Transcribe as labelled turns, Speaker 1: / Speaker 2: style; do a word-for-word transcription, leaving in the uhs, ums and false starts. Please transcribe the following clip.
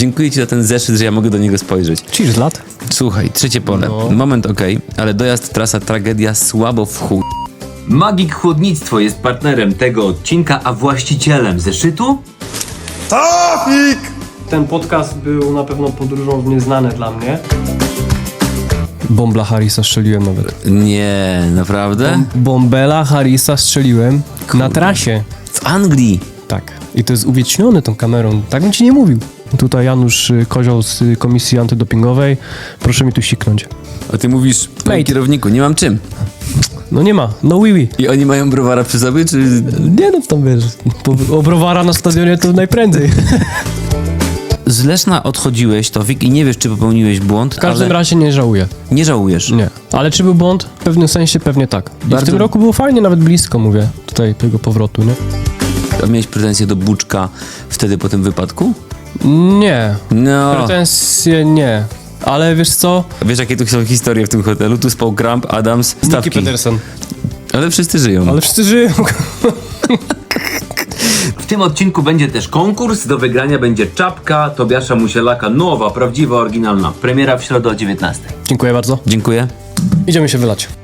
Speaker 1: Dziękuję ci za ten zeszyt, że ja mogę do niego spojrzeć.
Speaker 2: Cheers, lat.
Speaker 1: Słuchaj, trzecie pole.
Speaker 2: No.
Speaker 1: Moment okej, ale dojazd, trasa, tragedia, słabo w chuj.
Speaker 3: Magik Chłodnictwo jest partnerem tego odcinka, a właścicielem zeszytu?
Speaker 4: Ten podcast był na pewno podróżą w nieznane dla mnie.
Speaker 2: Bombla Harrisa strzeliłem nawet.
Speaker 1: Nie, naprawdę?
Speaker 2: Bombela Harrisa strzeliłem na trasie.
Speaker 1: W Anglii.
Speaker 2: Tak. I to jest uwiecznione tą kamerą. Tak bym ci nie mówił. Tutaj Janusz y, Kozioł z y, Komisji Antydopingowej. Proszę mi tu siknąć.
Speaker 1: A ty mówisz, panie
Speaker 2: Mate.
Speaker 1: kierowniku, nie mam czym.
Speaker 2: No nie ma. No oui, oui.
Speaker 1: I oni mają browara przy sobie, czy...
Speaker 2: Nie no, tam wiesz. Po, o browara na stadionie to najprędzej.
Speaker 1: Z Leszna odchodziłeś, Tofik, i nie wiesz, czy popełniłeś błąd,
Speaker 2: W każdym
Speaker 1: ale
Speaker 2: razie nie żałuję.
Speaker 1: nie żałujesz.
Speaker 2: Nie. Ale czy był błąd? W pewnym sensie pewnie tak. I
Speaker 1: Bardzo-
Speaker 2: w tym roku było fajnie, nawet blisko, mówię, tutaj tego powrotu, nie?
Speaker 1: A miałeś pretensje do Buczka wtedy po tym wypadku?
Speaker 2: Nie.
Speaker 1: No.
Speaker 2: Pretensje nie. Ale wiesz co?
Speaker 1: Wiesz, jakie tu są historie w tym hotelu? Tu spał Grump, Adams,
Speaker 2: Nicky
Speaker 1: Stawki.
Speaker 2: Peterson.
Speaker 1: Ale wszyscy żyją.
Speaker 2: Ale wszyscy żyją.
Speaker 3: W tym odcinku będzie też konkurs. Do wygrania będzie czapka Tobiasza Musielaka. Nowa, prawdziwa, oryginalna. Premiera w środę o dziewiętnastej.
Speaker 2: Dziękuję bardzo.
Speaker 1: Dziękuję.
Speaker 2: Idziemy się wylać.